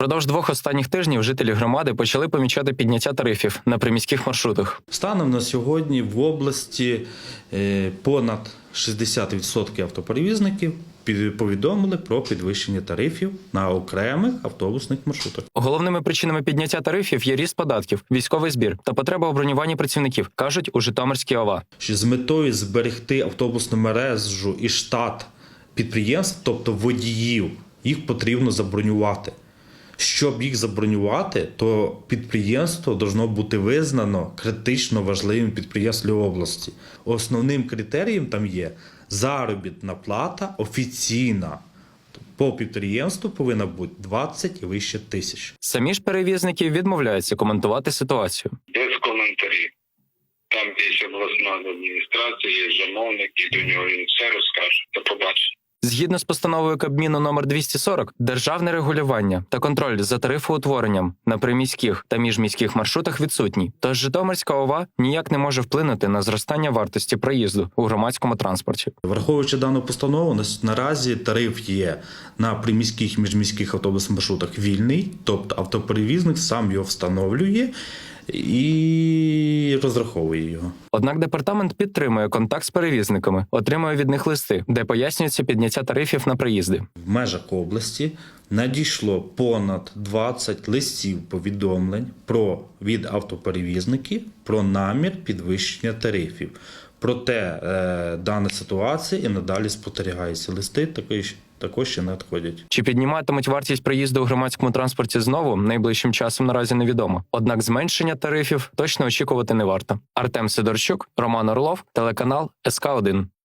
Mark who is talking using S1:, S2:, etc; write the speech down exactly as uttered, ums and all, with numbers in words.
S1: Впродовж двох останніх тижнів жителі громади почали помічати підняття тарифів на приміських маршрутах.
S2: Станом на сьогодні в області е, понад шістдесят відсотків автоперевізників під- повідомили про підвищення тарифів на окремих автобусних маршрутах.
S1: Головними причинами підняття тарифів є ріст податків, військовий збір та потреба у бронюванні працівників, кажуть у Житомирській ОВА.
S2: Що з метою зберегти автобусну мережу і штат підприємств, тобто водіїв, їх потрібно забронювати. Щоб їх забронювати, то підприємство повинно бути визнано критично важливим підприємством для області. Основним критерієм там є заробітна плата офіційна. По підприємству повинна бути двадцять і вище тисяч.
S1: Самі ж перевізники відмовляються коментувати ситуацію.
S3: Без коментарів. Там є обласна адміністрація, є замовник, і до нього він все розкаже. До побачення.
S1: Згідно з постановою Кабміну номер двісті сорок, державне регулювання та контроль за тарифоутворенням на приміських та міжміських маршрутах відсутній. Тож Житомирська ОВА ніяк не може вплинути на зростання вартості проїзду у громадському транспорті.
S2: Враховуючи дану постанову, на- наразі тариф є на приміських і міжміських автобусних маршрутах вільний, тобто автоперевізник сам його встановлює і розраховує його.
S1: Однак департамент підтримує контакт з перевізниками, отримує від них листи, де пояснюється підняття тарифів на проїзди.
S2: В межах області надійшло понад двадцять листів повідомлень про від автоперевізників про намір підвищення тарифів. Проте е, дана ситуація і надалі спостерігається. Листи також, також ще надходять.
S1: Чи підніматимуть вартість проїзду у громадському транспорті знову, найближчим часом наразі невідомо. Однак зменшення тарифів точно очікувати не варто. Артем Сидорчук, Роман Орлов, телеканал ес ка один.